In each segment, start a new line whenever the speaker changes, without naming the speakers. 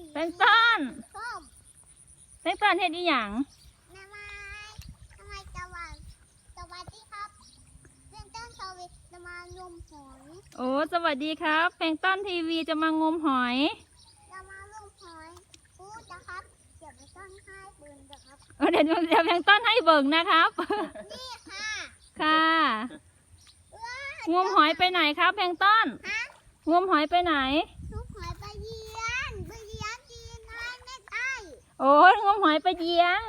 แป้งต้น
ส้ม
แป้งต้นเฮ็ดอีหยัง
ทำไมสวัสดีครับเพื่อนต้นสวิตจะมางมหอย
โอ้สวัสดีครับแป้งต้นทีวีจะมางมหอย
จะมางมหอยพูดนะครับเดี๋ยวไปต้นให้ปืนนะครับ
เดี๋ยวแป้งต้นให้เบิ่งนะครับ
นี่ค่ะ
ค่ะ งมหอยไปไหนครับแป้งต้น
ฮะ
งมหอยไปไหน
ลูกหอยไปเยียนกินให้ไม่ได้
โอ้งมหอยไปเยียง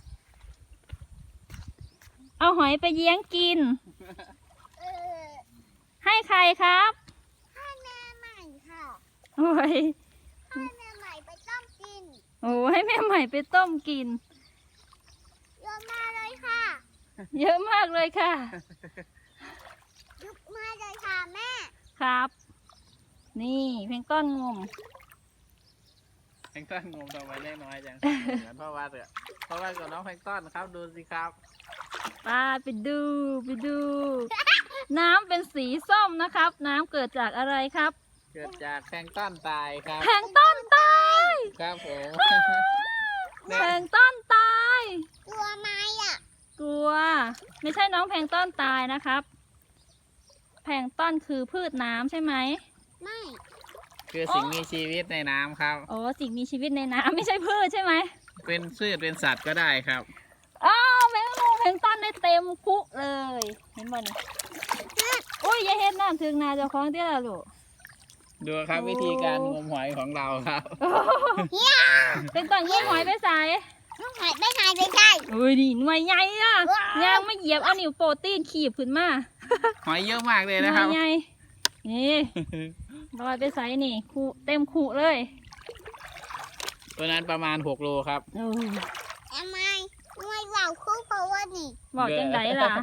เอาหอยไปเยียงกิน
เออ
ให้ใครครับ
ให้แม่ใหม่ค่ะ
โอ้ย
ให้แม่ใหม่ไปต้มกิน
โอ้ให้แม่ใหม่ไปต้มกิน
โยนมาเลยค่ะ
เยอะมากเลยค่ะ
ยุบมาเลยค่ะแม่
ครับ นี่แป้งต้นงม
แพงต้นงมทำไมได้น้อยจัง เหมือนพ่อว่าเถอะพ่อว่ากับน้องแพงต้นครับดูสิครับ
ไปดู น้ำเป็นสีส้มนะครับ น้ำเกิดจากอะไรครับ
เกิดจากแพงต้นตายครับ
แพงต้นตาย
ครับผม
แพงต้นตาย
ตัวไม้อ่ะ
กลัว ไม่ใช่น้องแพงต้นตายนะครับ แพงต้นคือพืชน้ำใช่ไหม
ไม่
คือสิ่งมีชีวิตในน้ำครับ
โอ้สิ่งมีชีวิตในน้ำไม่ใช่พืชใช่ไหม
เป็นพืชเป็นสัตว์ก็ได้ครับ
อ้าวแมงมุมแพงต้นได้เต็มคุเลย เห็นบ่นี่อุ้ยอย่าเห็นน้ำถึงนาเจ้าของเตี้ยละลูก
ดูครับ
โอ้
วิธีการงมหอยของเราครับ
เป็นต้นงมหอยไปใส่
ลูกหอยไม่หายไปได้
อุ้ยนี่หน่วยใหญ่อะยางไม่เหยียบเอานิ้วโปรตีนขีบขึ้นมา
หอยเยอะมากเลย
หน่
นะ
ว
ครับ
ยใหญ่นี่ลอยไปใส่นี่คุเต็มคุเลย
ตัวนั้นประมาณ6 โลครับ
โอ้ย
ทำไมว่าวคู่เพราะว่านี่
บอกจังไดล่ะ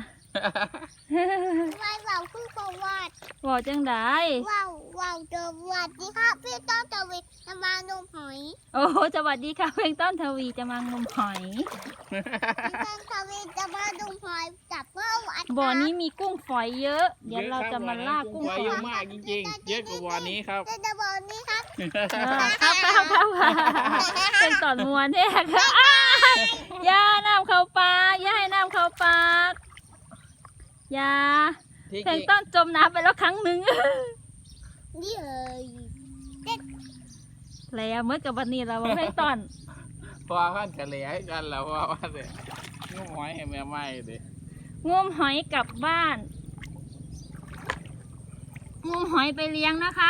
ว่าวคู่เพราะว่า
บอกจังได
ว่าวจะวัดนี่ครับพี่ต้นจะวิจะมางมหอย
โอ้สวัสดีค่ะเพลงต้นทวีจะมางมหอย
พี่ต้นจะวิจะมางมหอยจับเพื่อวัด
บ่อนี้มีกุ้งฝอยเยอะ เดี๋ยวเราจะมาล่ากุ้ง
ไว้
ฝ
เย
อ
อะ
ย
มากจริงๆ เยอะกว่าวันนี้ครับ
จะบอกนี่ครับ
ครับเป็นตอนมวนแท้ค่ะอย่าน้ำเข้าปากอย่าให้น้ำเข้าปากอย่า
ที่
เพล
จ
ง
ริง
ต้นจมน้ำไปแล้วครั้งหนึ่ง
นี่เลย
แล้วเมื่อกับวันนี้เราเพลงต้น
พอขั้นกะเหลี่ยให้กันแล้วว่าเด็กงมหอยให้แม่ไหม้ดิ
งมหอยกลับบ้าน งมหอยไปเลี้ยงนะครับ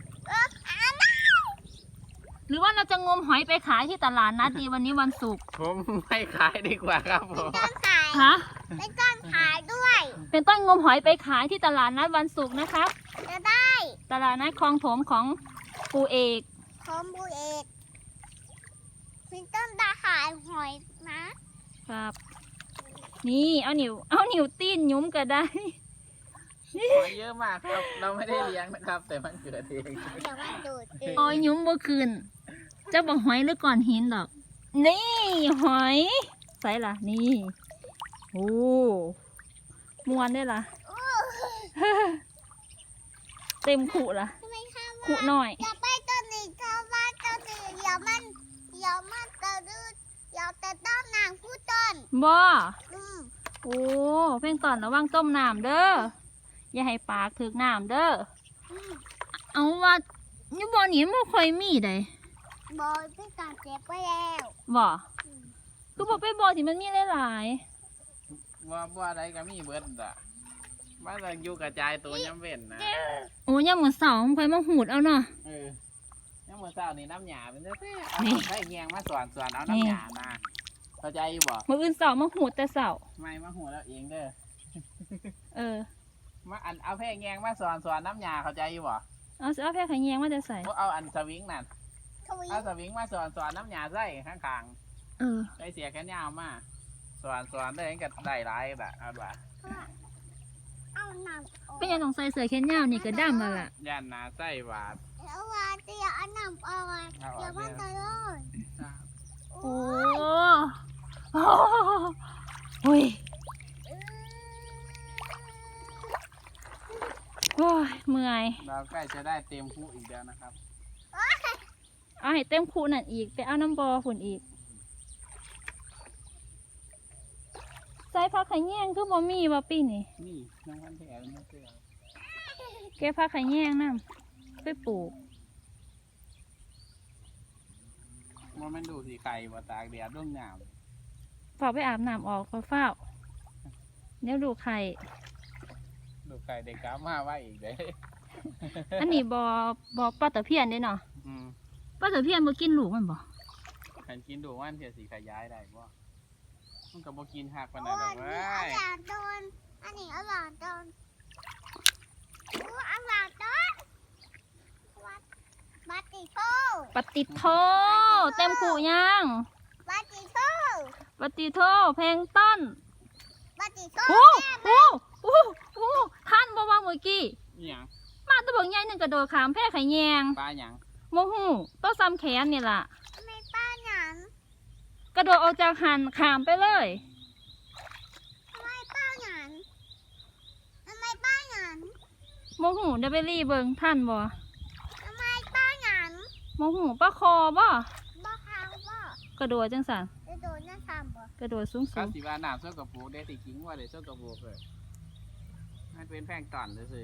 หรือว่าเราจะงมหอยไปขายที่ตลาดนัดดีวันนี้วันศุกร์
ผมไม่ขายดีกว่าครับผม
ต้นขาย
ฮะ
เป็นต้นขายด้วย
เป็นต้นงมหอยไปขายที่ตลาดนัดวันศุกร์นะครับ
จะได้
ตลาดนัดคลองถมของปู่เอก
คอมบูเอกเป็นต้นตาขายหอยนะ
ครับ นี่เอานิ้วตีนยุ้มก็ได้
หอยเยอะมากครับ เราไม่ได้เลี้ยงนะครับ แต่มันเกิดเอง
เดี๋ยวมันดูดเอง
โอ้ยยุ้มบ่คืนเจะบอกหอยหรือก่อนหินดอก นี่หอยใส่ล่ะนี่ โอ้มวนได้ล่ะ
โอ้
เต็มขุล่ะ
ทำไมข้าว
ขุหน่อย
อย่าไปต้นนี้ข้าวว่าต้นนี้เดี๋ยวมันกระดืดเดี๋ยวแต่ต้นนางผู้ต้น
บ่
อืม
โอ้เพ่งตอนระวังต้มน้ำเด้อ อย่าให้ปากถึกน้ำเด้อ
อืม
เอาว่านี่บ่อนี้ไม่ค่อยมีได้
บอยพี่ตาเจ็บไปแล้ว
บ่คือบอกไปบ่อที่มันมีหลาย
ว่าอะไรก็มีเบิดอ่ะมาแต่อยู่กระจายตัวย้ำเว้นนะ
ๆโอ้ยามมื้อเช้าค่อยมาหูดเอาเนาะ
ยังเมื่อเช้านี่น้ำหยาเป็นแท้ๆเอา
นี่
ใส่แยงมาสอนเอาน้ำหยามาเข้าใจอยู่บ่
มื้ออื่นเช้ามาหูดแต่เช้า
ไม่มาหัวแล้วเองเด้อ
เออ
มาอันเอาแพร่แยงมาสอนน้ำหยาเข้าใจอยู่บ่
เอาแค่ขยงมาจะใส่
พวกเอาอันสวิงนั่น
ทวี
เอาสวิงมาสอนน้ำหยาใส่ข้าง
เออ
ๆใส่เสียแขนยาวมาสอนได้ก็ได้หลายแบบเอาบ่า
เอาหนังออก
เป็นยังต้องใส่เสื้อแขนยาวนี่ก็ดำแล้วล่ะ
ย่านหนาใส่บาด
แล้วว่าจะเอาหนังออกอ่ะ
เอาออก
เดี๋ยวมันจะร้อน
โอ้โอ้ยโอ้ยเมื่อย
เราใกล้จะได้เต็มผู้อีกแล้วนะครับ
เอาให้เต็มคูนั่นอีกไปเอาน้ำบอฝุ่นอีกใส่ผักไข่แยงคือบ่มีบ่ปีนี่
นี่น้องพันแผลมันเสือ
แกผักไข่แยงน้ำไปปลูก
มันดูสีไข่บ่ตากแดดร่วงหนาว
ฝากไปอาบน้ำออกเฝ้าเนี่ยดูไข่
ดูไข่เด็กกล้ามาไว้อีกเด้
อันนี้บปลาตะเพียนเด้เนาะ
อืม
ปลาตะเพียนบ่กินลูกมันบ่
ขันกินดูว่าเสียสีขยายได้บ่มันก็บ่กินหักปาน
โอ้
นั้นด
อั
อน ก
นี้
เว้
อย ร่อยโดนอันนี้อร่อยโดนโอ้อร่อยโดนบัตติโต
ปฏิโทเต็มขู่ยัง
บัตติโต
ปฏิโทเพลงต้น
บัตติโต
โอ้โอ้โอ้โอ้ท่านบ่ว่าเมื่อกี้
อีหยัง
มาตะบอกใหญ่หนึงกระโดดขามแพร่ไข่แยง
ปลาหยัง
โมหูโต้ซ้ำแขนนี่ล่ะ
ทำไมป้าหนัง
กระโดดออกจากหันขามไปเลย
ทำไมป้าหนังทำไมป้าหนัง
โมหูเดยวไปรีเบิงท่านบ่
ทำไมป้าหนัง
โมหูป้าคอบ่
บ่ขาวบ่
กระโดดจังสัน
จะโดนหน้าทำบ่
กระโดดสูง
ก็สิว่าน้ำส้มกระปูได้สิกิงว่าได้ส้มกระปูเลยมันเป็นแพงตอนซื่อ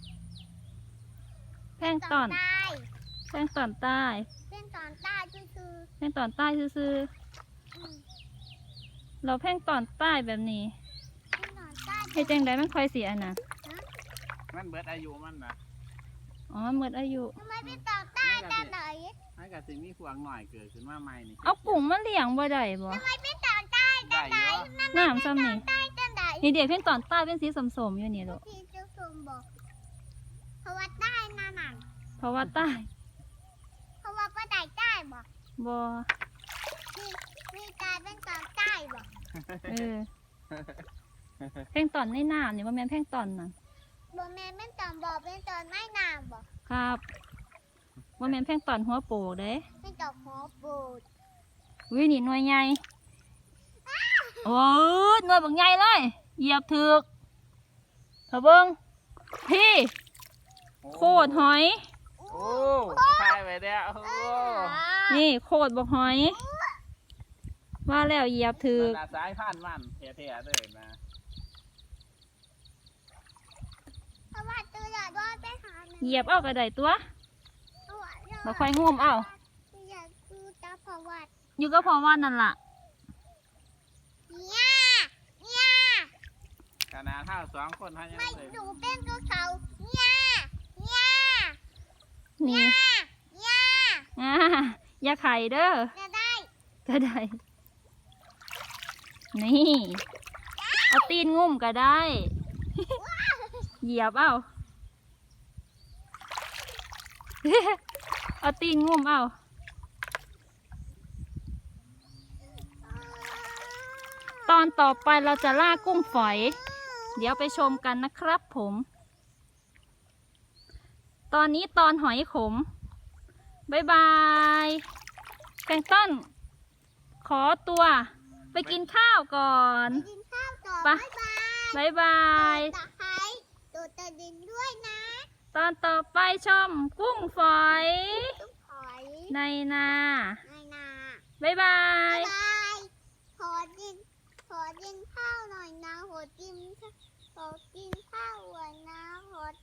แพงตอน
ใต้
แพงตอนใต้
เป็นตอนใต้คือ
แพงตอนใต้ซื่อ
อืม
ๆเราแพงตอนใต้แบบนี้
เป็นตอนใต้
เฮ็ดจังไดมันค่อยเสียน่ะ
ๆมันเบิดอายุมันนะ
อ๋อหมดอายุ
ทำไมเป็นตอนใต้แต่ไหน
มันก็สิมีพวงหน่อยเกิดขึ้นมาใหม่นี่
เอากุ้งมาเลี้ยงบ่ได้บ่
ทำไมเป็นตอนใต้
ได้เยอะ
น้ำซ้ำนี่
ใต้แต่ไหน
นี่เด็กเพ่งตอนใต้เป็นสีสมๆอยู่นี่ลูก
ที่เจ้าชมบอกเพราะว่าใต้นั่นน่ะ
เพราะว่าใต้
เพราะว่าป้าใต้ใต้บอก
บ่
มีตายเป็นตอนใต้บอก
เออเพ่งตอนในน้ำนี่ว่าแม่นเพ่งตอนนั่น
บ่แม่เป็นตอนบอกเป็นตอนไม่นามบอก
ครับว่าแม่นเพ่งตอนหัวโปกเด้
เป็นตอนหัวปูด
วินี่หน่วยใหญ่โอ้ยหน่วยบักใหญ่เลยเหยียบถึกเถอะเบิ้งพี่โคตรหอย
โอ้ทายไปแล้วโอ้
นี่โคตรบักหอย ว่าแล้วเหยียบถึก
มันน่ะสายพันธุ์มันแท้ๆเลยนะ
เพราะว่าตัวใหญ่ด้วยไปหาหนึ่ง
เหยียบเอากระไดตัว
ตัวใหญ่
มาค่อยงุ่มเอา
อยากดูตาประวัติ
อยู่ก็เพราะว่านั่นล่ะ
เนี่ยเนี่ย
ขนาดเท่าสองคนเขายัง
ไม่
เลย
ดูเป็นตัวเขาเนี่ยเนี่ย
นี่
เนี่ย
อ่าอย่าไข่เด้อ
จะได้
ก็ได้ นี่ เอาตีนงุ่มก็ได้ เหยียบเอา เอาตีนงุ่มเอา ตอนต่อไปเราจะล่ากุ้งฝอย เดี๋ยวไปชมกันนะครับผม ตอนนี้ตอนหอยขม บ๊ายบายแพลงก์ต้น ขอตัว ไปกินข้าวก่อน
กินข้าวต่อ
ไป
บ๊ายบาย
บ๊ายบาย
ตะไคร้ตัวตะดินด้วยนะ
ตอนต่อไปชมกุ้งฝอย
ต้องถอย
ในนา
ในนา
บ๊ายบา
บ๊าย ยบายขอกินข้าวหน่อยนะขอกินข้าวหน่อยนะขอ